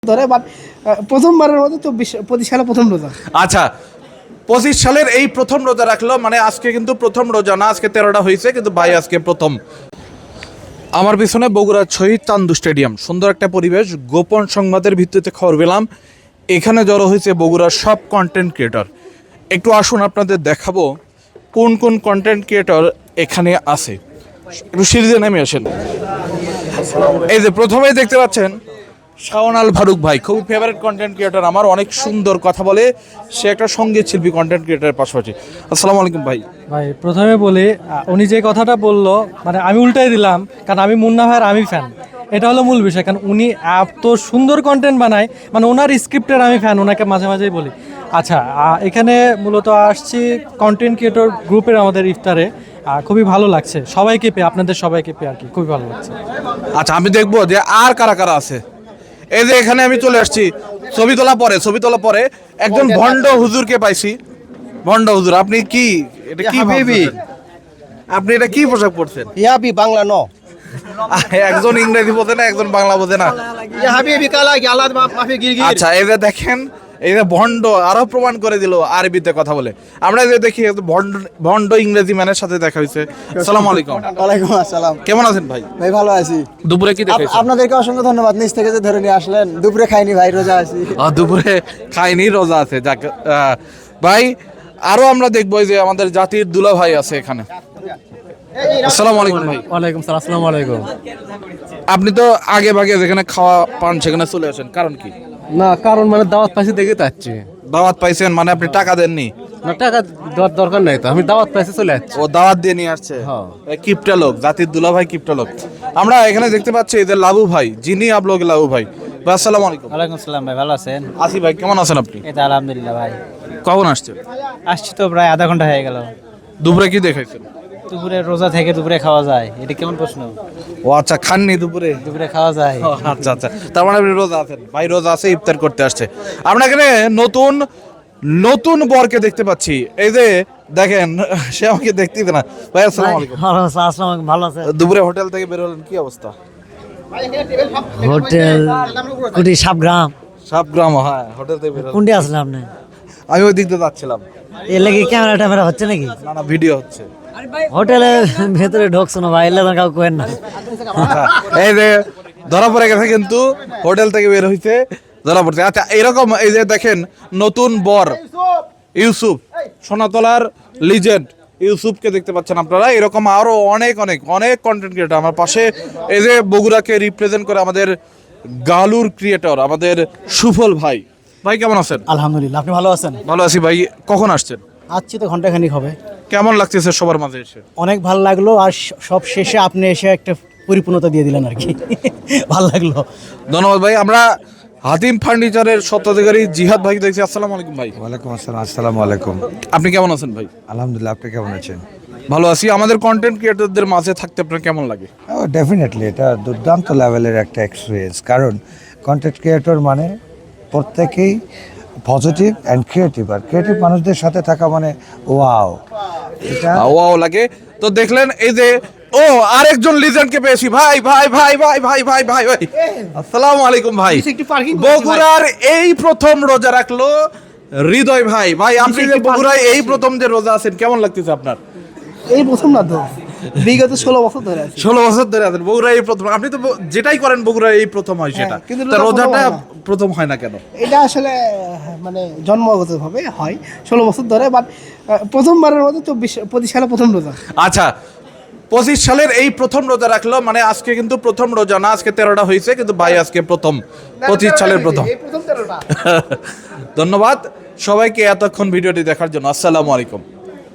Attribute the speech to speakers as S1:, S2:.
S1: ধরে বাট প্রথমবারের মতো 25 সালে প্রথম রোজা।
S2: আচ্ছা, 25 সালের এই প্রথম রোজা রাখলো, মানে আজকে কিন্তু প্রথম রোজা না, আজকে 13টা হয়েছে, কিন্তু ভাই আজকে প্রথম। আমার পিছনে বগুড়ার শহীদ চান্দু স্টেডিয়াম, সুন্দর একটা পরিবেশ। গোপন সংবাদের ভিত্তিতে খবর পেলাম এখানে জড়ো হয়েছে বগুড়ার সব কন্টেন্ট ক্রিয়েটর। একটু আসুন আপনাদের দেখাবো কোন কোন কন্টেন্ট ক্রিয়েটর এখানে আছে। একটু সিরিজে নেমে আসেন। এই যে প্রথমেই দেখতে পাচ্ছেন শাওন আল ফারুক ভাই, খুবই ফেভারিট কন্টেন্ট ক্রিয়েটর আমার, অনেক সুন্দর কথা বলে, সে একটা সঙ্গীত শিল্পী কন্টেন্ট ক্রিয়েটরের পাশাপাশি। আসসালামু আলাইকুম ভাই।
S3: ভাই প্রথমে বলি, উনি যে কথাটা বললো মানে আমি উল্টাই দিলাম, কারণ আমি মুন্না ভাইয়ের আমি ফ্যান, এটা হলো মূল বিষয়। কারণ উনি এত সুন্দর কন্টেন্ট বানায়, মানে ওনার স্ক্রিপ্টের আমি ফ্যান, ওনাকে মাঝে মাঝেই বলি। আচ্ছা, এখানে মূলত আসছি কন্টেন্ট ক্রিয়েটর গ্রুপের আমাদের ইফতারে, খুবই ভালো লাগছে সবাইকে পেয়ে, আপনাদের সবাইকে পেয়ে আর কি খুবই ভালো লাগছে।
S2: আচ্ছা, আমি দেখবো যে আর কারা কারা আছে। এই যে এখানে আমি চলে আসছি, ছবি তোলা পরে একজন ভণ্ড হুজুরকে পাইছি। ভণ্ড হুজুর, আপনি কি এটা কি ভাবছেন? আপনি এটা কি পোশাক পরছেন?
S1: ইয়াবি বাংলা ন
S2: একজন ইংরেজি বোঝে না, একজন বাংলা বোঝে না।
S1: ইয়া হাবিবি কালা কি আল্লাহ মাফি গিরগির।
S2: আচ্ছা, এই যে দেখেন, এই যে ভণ্ড আরো প্রমাণ করে দিল আরবিতে কথা বলে। আমরা যে দেখি ভণ্ড ইংরেজি ম্যানের সাথে দেখা হয়েছে। আসসালামু আলাইকুম।
S1: ওয়ালাইকুম আসসালাম।
S2: কেমন আছেন ভাই?
S1: ভাই ভালো আছি।
S2: দুপুরে কি দেখাইছেন?
S1: আপনাদেরকে অসংখ্য ধন্যবাদ, নিচ থেকে যে ধরে নিয়ে আসলেন। দুপুরে খাইনি ভাই, রোজা আছি।
S2: দুপুরে খাইনি, রোজা আছে। যাক ভাই, আরো আমরা দেখবো যে আমাদের জাতির দুলা ভাই আছে এখানে। আসসালামু আলাইকুম ভাই।
S3: ওয়ালাইকুম সালাম। আসসালামু আলাইকুম।
S2: আপনি তো আগে ভাগে যেখানে খাওয়া পান সেখানে চলে আসেন, কারণ কি?
S3: না, কারণ মানে দাওয়াত পাইছি দেখে যাচ্ছি।
S2: দাওয়াত পাইছেন মানে আপনি টাকা দেননি?
S3: না, টাকা দেওয়ার দরকার নাই তো, আমি দাওয়াত পাইছি চলে যাচ্ছি।
S2: ও দাওয়াত দিয়ে নিয়ে আসছে। কিপটা লোক, জাতির দুলা ভাই কিপটা লোক। আমরা এখানে দেখতে পাচ্ছি এই যে লাবু ভাই, যিনি আপলোক লাবু ভাই। ভাই আসসালামু আলাইকুম।
S4: ওয়ালাইকুম আসসালাম ভাই, ভালো আছেন?
S2: আসি ভাই, কেমন আছেন আপনি?
S4: এই তো আলহামদুলিল্লাহ ভাই।
S2: কখন আসছেন?
S4: আসছি তো প্রায় আধা ঘন্টা হয়ে গেল।
S2: দুপুরে কি দেখাইছেন?
S4: দুপুরে রোজা থেকে দুপুরে খাওয়া যায়, এটা কেমন প্রশ্ন?
S2: ও আচ্ছা, খাননি দুপুরে?
S4: দুপুরে খাওয়া যায়।
S2: আচ্ছা আচ্ছা, তার মানে আপনি রোজা আছেন। ভাই রোজা আছে, ইফতার করতে আসছে। আমরা এখানে নতুন নতুন বরকে দেখতে পাচ্ছি। এই যে দেখেন, সে আমাকে দেখতেই না। ভাই আসসালামু আলাইকুম।
S4: আসসালাম, ভালো আছে?
S2: দুপুরে হোটেল থেকে বের হলেন, কি অবস্থা?
S4: হোটেল কুটি সাবগ্রাম।
S2: সাবগ্রাম, হ্যাঁ, হোটেল থেকে বের হলেন।
S4: কোনটি আসলে আপনি?
S2: আমি ওই দিক দিয়ে যাচ্ছিলাম।
S4: এর লাগে ক্যামেরা ট্যামেরা হচ্ছে নাকি?
S2: না না, ভিডিও হচ্ছে।
S4: হোটেলের ভেতরে ঢোকছো না ভাই, এলে কাউকে কেন না।
S2: আচ্ছা, এই যে ধরা পড়ে গেছে, কিন্তু হোটেল থেকে বের হইতে ধরা পড়ছে। আচ্ছা, এরকম এই যে দেখেন নতুন বর ইউসুফ, সোনাতলার লিজেন্ড ইউসুফকে দেখতে পাচ্ছেন আপনারা। এরকম আরো অনেক অনেক অনেক কন্টেন্ট ক্রিয়েটর আমার পাশে। এই যে বগুড়াকে রিপ্রেজেন্ট করে আমাদের গালুর ক্রিয়েটর আমাদের সুফল ভাই। ভাই কেমন আছেন?
S1: আলহামদুলিল্লাহ, আপনি ভালো আছেন?
S2: ভালো আছি ভাই। কখন আসছেন?
S1: আজকে তো ঘন্টাখানিক হবে।
S2: কেমন লাগতেছে সবার মাঝে এসে?
S1: অনেক ভালো লাগলো, আর সব শেষে আপনি এসে একটা পরিপূর্ণতা দিয়ে দিলেন আর কি। ভালো লাগলো।
S2: ধন্যবাদ ভাই। আমরা হাতিম ফার্নিচারের স্বত্বাধিকারী জিহাদ ভাই দেখছি। আসসালামু আলাইকুম ভাই।
S5: ওয়ালাইকুম আসসালাম। আসসালামু আলাইকুম।
S2: আপনি কেমন আছেন ভাই?
S5: আলহামদুলিল্লাহ, আপনি কেমন আছেন?
S2: ভালো আছি। আমাদের কন্টেন্ট ক্রিয়েটরদের মাঝে থাকতে আপনার কেমন লাগে?
S5: ডেফিনেটলি এটা দুর্দান্ত লেভেলের একটা এক্সপিরিয়েন্স, কারণ কন্টেন্ট ক্রিয়েটর মানে প্রত্যেকেই পজিটিভ অ্যান্ড ক্রিয়েটিভ, আর ক্রিয়েটিভ মানুষদের সাথে থাকা মানে ওয়াও, এটা
S2: ওয়াও লাগে। তো দেখলেন এই যে ও আরেকজন লিজেন্ডকে পেয়েছি। ভাই ভাই ভাই ভাই ভাই ভাই ভাই ভাই আসসালামু আলাইকুম ভাই। বগুড়ার এই প্রথম রোজা রাখলো হৃদয় ভাই। ভাই আপনি যে বগুড়ায় এই প্রথম যে রোজা আছেন, কেমন লাগতেছে আপনার?
S1: এই প্রথম না তো, বিগত 16 বছর ধরে আছি।
S2: 16 বছর ধরে আছেন বগুড়ায় এই প্রথম। আপনি তো যেটাই করেন বগুড়ায় এই প্রথম হয় সেটা,
S1: কিন্তু
S2: তা
S1: রোজা
S2: রোজাটা
S1: প্রথম হয় না।
S2: প্রথম হয় না কেন?
S1: এটা আসলে মানে জন্মগতভাবে হয় 16 বছর ধরে, বাট প্রথমবারের মতো 25 সালে প্রথম রোজা।
S2: আচ্ছা, 25 সালের এই প্রথম রোজা রাখলো, মানে আজকে কিন্তু প্রথম রোজা না, আজকে 13টা হয়েছে, কিন্তু ভাই আজকে প্রথম 25 সালের প্রথম। ধন্যবাদ সবাইকে এতক্ষণ ভিডিওটি দেখার জন্য। আসসালামু আলাইকুম।